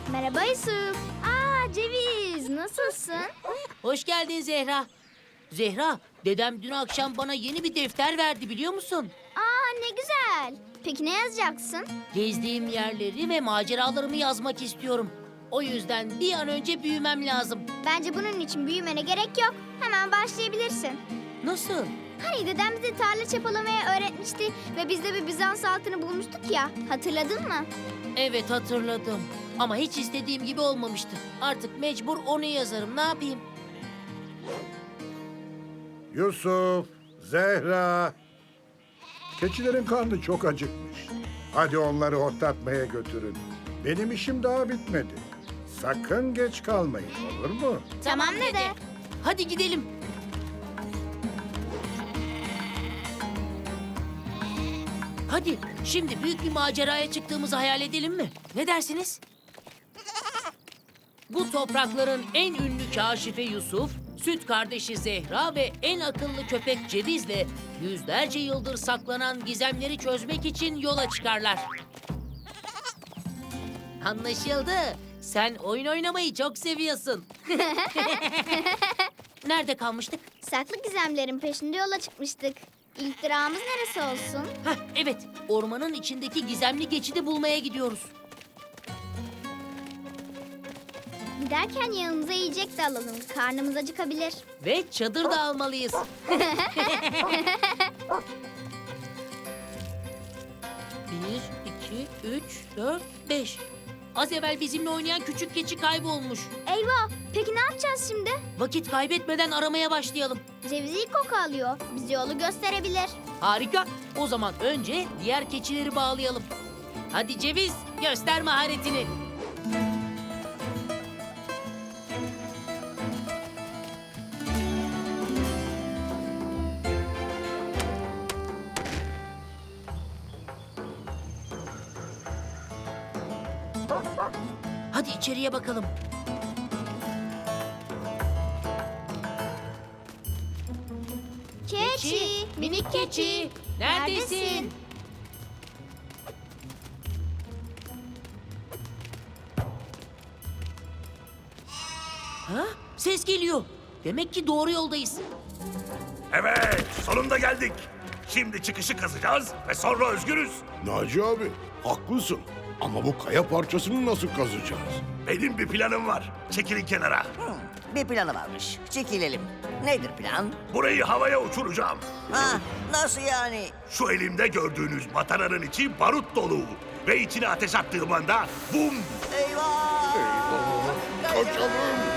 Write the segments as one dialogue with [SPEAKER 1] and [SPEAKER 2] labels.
[SPEAKER 1] Merhaba Yusuf. Ceviz, nasılsın?
[SPEAKER 2] Hoş geldin Zehra. Zehra, dedem dün akşam bana yeni bir defter verdi biliyor musun?
[SPEAKER 1] Ne güzel. Peki ne yazacaksın?
[SPEAKER 2] Gezdiğim yerleri ve maceralarımı yazmak istiyorum. O yüzden bir an önce büyümem lazım.
[SPEAKER 1] Bence bunun için büyümene gerek yok. Hemen başlayabilirsin.
[SPEAKER 2] Nasıl?
[SPEAKER 1] Hani dedem bize tarla çapalamayı öğretmişti ve biz de bir Bizans altını bulmuştuk ya. Hatırladın mı?
[SPEAKER 2] Evet hatırladım. Ama hiç istediğim gibi olmamıştı. Artık mecbur onu yazarım. Ne yapayım?
[SPEAKER 3] Yusuf, Zehra. Keçilerin karnı çok acıkmış. Hadi onları otlatmaya götürün. Benim işim daha bitmedi. Sakın geç kalmayın, olur mu?
[SPEAKER 1] Tamam dede.
[SPEAKER 2] Hadi gidelim. Hadi şimdi büyük bir maceraya çıktığımızı hayal edelim mi? Ne dersiniz? Bu toprakların en ünlü kaşifi Yusuf, süt kardeşi Zehra ve en akıllı köpek Ceviz'le yüzlerce yıldır saklanan gizemleri çözmek için yola çıkarlar. Anlaşıldı. Sen oyun oynamayı çok seviyorsun. Nerede kalmıştık?
[SPEAKER 1] Saklı gizemlerin peşinde yola çıkmıştık. İlk durağımız neresi olsun?
[SPEAKER 2] Evet, ormanın içindeki gizemli geçidi bulmaya gidiyoruz.
[SPEAKER 1] Giderken yanımıza yiyecek de alalım. Karnımız acıkabilir.
[SPEAKER 2] Ve çadır da almalıyız. Bir, iki, üç, dört, beş. Az evvel bizimle oynayan küçük keçi kaybolmuş.
[SPEAKER 1] Eyvah! Peki ne yapacağız şimdi?
[SPEAKER 2] Vakit kaybetmeden aramaya başlayalım.
[SPEAKER 1] Ceviz iyi koku alıyor. Bize yolu gösterebilir.
[SPEAKER 2] Harika. O zaman önce diğer keçileri bağlayalım. Hadi Ceviz, göster maharetini. Hadi içeriye bakalım.
[SPEAKER 1] Keçi,
[SPEAKER 2] minik keçi, neredesin? Ha? Ses geliyor. Demek ki doğru yoldayız.
[SPEAKER 4] Evet, sonunda geldik. Şimdi çıkışı kazacağız ve sonra özgürüz.
[SPEAKER 5] Naci abi, haklısın. Ama bu kaya parçasını nasıl kazacağız?
[SPEAKER 4] Benim bir planım var. Çekilin kenara.
[SPEAKER 6] Bir planı varmış. Çekilelim. Nedir plan?
[SPEAKER 4] Burayı havaya uçuracağım.
[SPEAKER 6] Ha, nasıl yani?
[SPEAKER 4] Şu elimde gördüğünüz mataranın içi barut dolu. Ve içine ateş attığım anda bum!
[SPEAKER 6] Eyvah!
[SPEAKER 5] Kaçalım!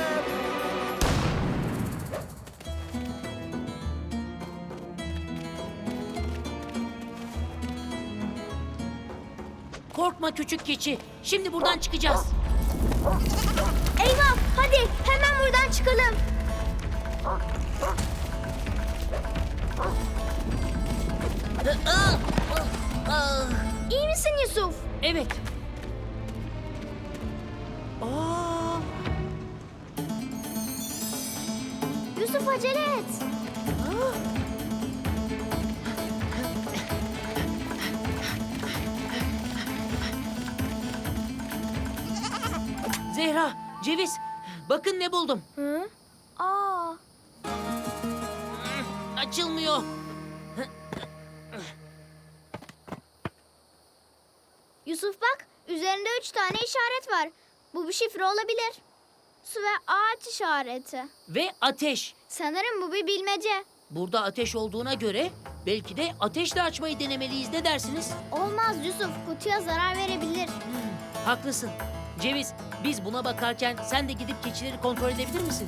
[SPEAKER 2] Korkma küçük keçi. Şimdi buradan çıkacağız.
[SPEAKER 1] Eyvah! Hadi hemen buradan çıkalım. İyi misin Yusuf?
[SPEAKER 2] Evet. Aa,
[SPEAKER 1] Yusuf acele et.
[SPEAKER 2] Zehra, Ceviz. Bakın ne buldum.
[SPEAKER 1] Hı? Aa!
[SPEAKER 2] Açılmıyor.
[SPEAKER 1] Yusuf bak, üzerinde 3 tane işaret var. Bu bir şifre olabilir. Su ve ağaç işareti.
[SPEAKER 2] Ve ateş.
[SPEAKER 1] Sanırım bu bir bilmece.
[SPEAKER 2] Burada ateş olduğuna göre belki de ateşle açmayı denemeliyiz. Ne dersiniz?
[SPEAKER 1] Olmaz Yusuf, kutuya zarar verebilir.
[SPEAKER 2] Haklısın. Ceviz, biz buna bakarken sen de gidip keçileri kontrol edebilir misin?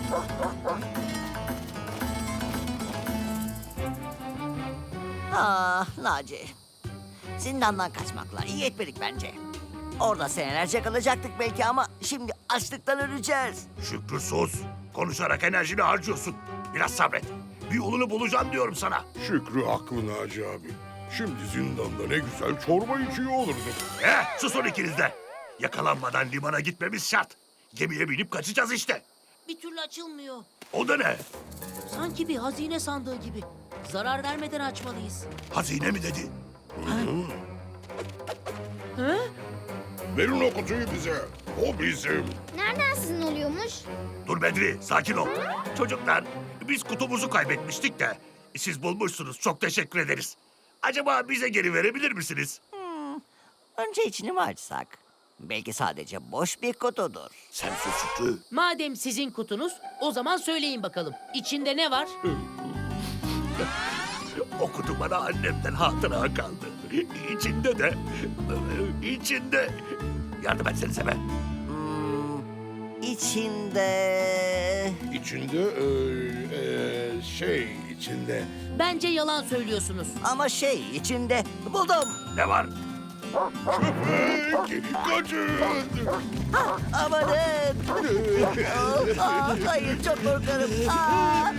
[SPEAKER 6] Ah Naci. Zindandan kaçmakla iyi etmedik bence. Orada senelerce kalacaktık belki ama şimdi açlıktan öleceğiz.
[SPEAKER 4] Şükrü sus. Konuşarak enerjini harcıyorsun. Biraz sabret. Bir yolunu bulacağım diyorum sana.
[SPEAKER 5] Şükrü haklı Naci abi. Şimdi zindanda ne güzel çorba içiyor olurduk.
[SPEAKER 4] Susun ikiniz de. Yakalanmadan limana gitmemiz şart. Gemiye binip kaçacağız işte.
[SPEAKER 2] Bir türlü açılmıyor.
[SPEAKER 4] O da ne?
[SPEAKER 2] Sanki bir hazine sandığı gibi. Zarar vermeden açmalıyız.
[SPEAKER 4] Hazine mi dedi?
[SPEAKER 2] Hı?
[SPEAKER 5] Verin o kutuyu bize. O bizim.
[SPEAKER 1] Nereden sizin oluyormuş?
[SPEAKER 4] Dur Bedri, sakin ol. Çocuklar, biz kutumuzu kaybetmiştik de siz bulmuşsunuz. Çok teşekkür ederiz. Acaba bize geri verebilir misiniz?
[SPEAKER 6] Önce içini mi açsak? Belki sadece boş bir kutudur.
[SPEAKER 4] Sen sus Şükrü.
[SPEAKER 2] Madem sizin kutunuz, o zaman söyleyin bakalım. İçinde ne var?
[SPEAKER 4] O kutu bana annemden hatıra kaldı. İçinde... Yardım etsenize be.
[SPEAKER 6] İçinde...
[SPEAKER 5] İçinde içinde.
[SPEAKER 2] Bence yalan söylüyorsunuz.
[SPEAKER 6] Ama içinde buldum.
[SPEAKER 4] Ne var?
[SPEAKER 5] Köpek! Kaçın!
[SPEAKER 6] Amanın. Hayır, çok korkarım. Aa!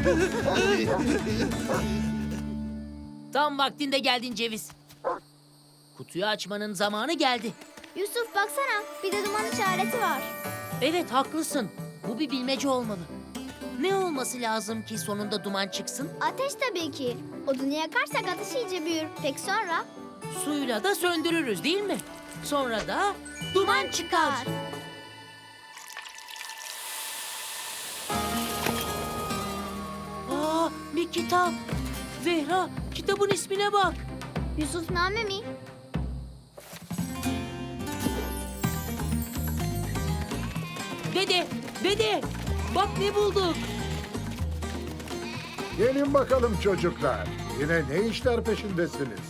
[SPEAKER 2] Tam vaktinde geldin Ceviz. Kutuyu açmanın zamanı geldi.
[SPEAKER 1] Yusuf baksana, bir de duman işareti var.
[SPEAKER 2] Evet, haklısın. Bu bir bilmece olmalı. Ne olması lazım ki sonunda duman çıksın?
[SPEAKER 1] Ateş tabii ki. Odunu yakarsak ateş iyice büyür. Peki sonra?
[SPEAKER 2] Suyla da söndürürüz değil mi? Sonra da duman çıkar. Aa, bir kitap. Zehra, kitabın ismine bak.
[SPEAKER 1] Yusufname mi?
[SPEAKER 2] Dede, bak ne bulduk.
[SPEAKER 3] Gelin bakalım çocuklar. Yine ne işler peşindesiniz?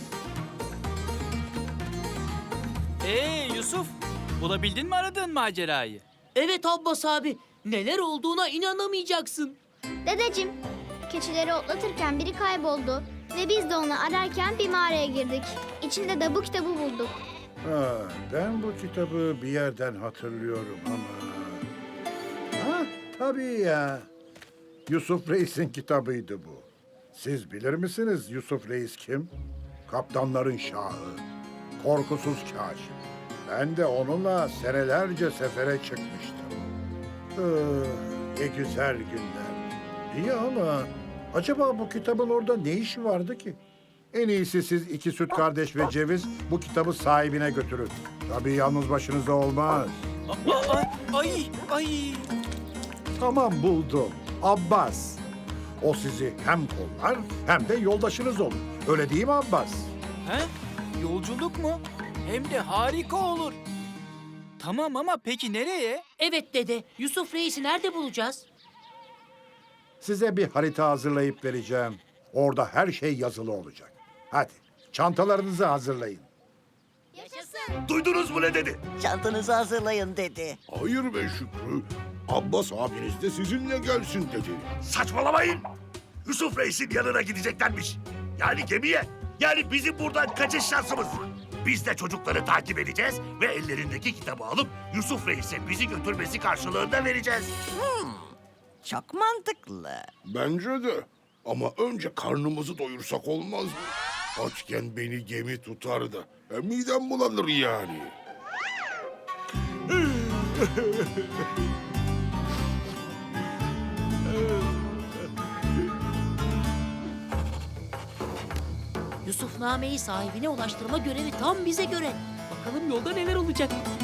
[SPEAKER 7] Yusuf, bulabildin mi aradığın macerayı?
[SPEAKER 2] Evet Abbas abi, neler olduğuna inanamayacaksın.
[SPEAKER 1] Dedeciğim, keçileri otlatırken biri kayboldu. Ve biz de onu ararken bir mağaraya girdik. İçinde de bu kitabı bulduk.
[SPEAKER 3] Ha, ben bu kitabı bir yerden hatırlıyorum ama... Ha, tabii ya. Yusuf Reis'in kitabıydı bu. Siz bilir misiniz Yusuf Reis kim? Kaptanların şahı. Korkusuz kaşif. Ben de onunla senelerce sefere çıkmıştım. Ne güzel günler. İyi ama acaba bu kitabın orada ne işi vardı ki? En iyisi siz iki süt kardeş ve Ceviz bu kitabı sahibine götürün. Tabii yalnız başınıza olmaz.
[SPEAKER 7] Ay.
[SPEAKER 3] Tamam buldum. Abbas. O sizi hem kollar hem de yoldaşınız olur. Öyle değil mi Abbas?
[SPEAKER 7] He? Yolculuk mu? Hem de harika olur. Tamam ama peki nereye?
[SPEAKER 2] Evet dede, Yusuf Reis'i nerede bulacağız?
[SPEAKER 3] Size bir harita hazırlayıp vereceğim. Orada her şey yazılı olacak. Hadi çantalarınızı hazırlayın.
[SPEAKER 4] Duydunuz mu ne dedi?
[SPEAKER 6] Çantanızı hazırlayın dedi.
[SPEAKER 5] Hayır be Şükrü. Abbas abiniz de sizinle gelsin dedi.
[SPEAKER 4] Saçmalamayın. Yusuf Reis'in yanına gideceklermiş. Yani gemiye. Yani bizim buradan kaçış şansımız. Biz de çocukları takip edeceğiz ve ellerindeki kitabı alıp Yusuf Reis'e bizi götürmesi karşılığında vereceğiz.
[SPEAKER 6] Çok mantıklı.
[SPEAKER 5] Bence de. Ama önce karnımızı doyursak olmaz mı? Açken beni gemi tutar da. Midem bulanır yani.
[SPEAKER 2] Yusufname'yi sahibine ulaştırma görevi tam bize göre. Bakalım yolda neler olacak.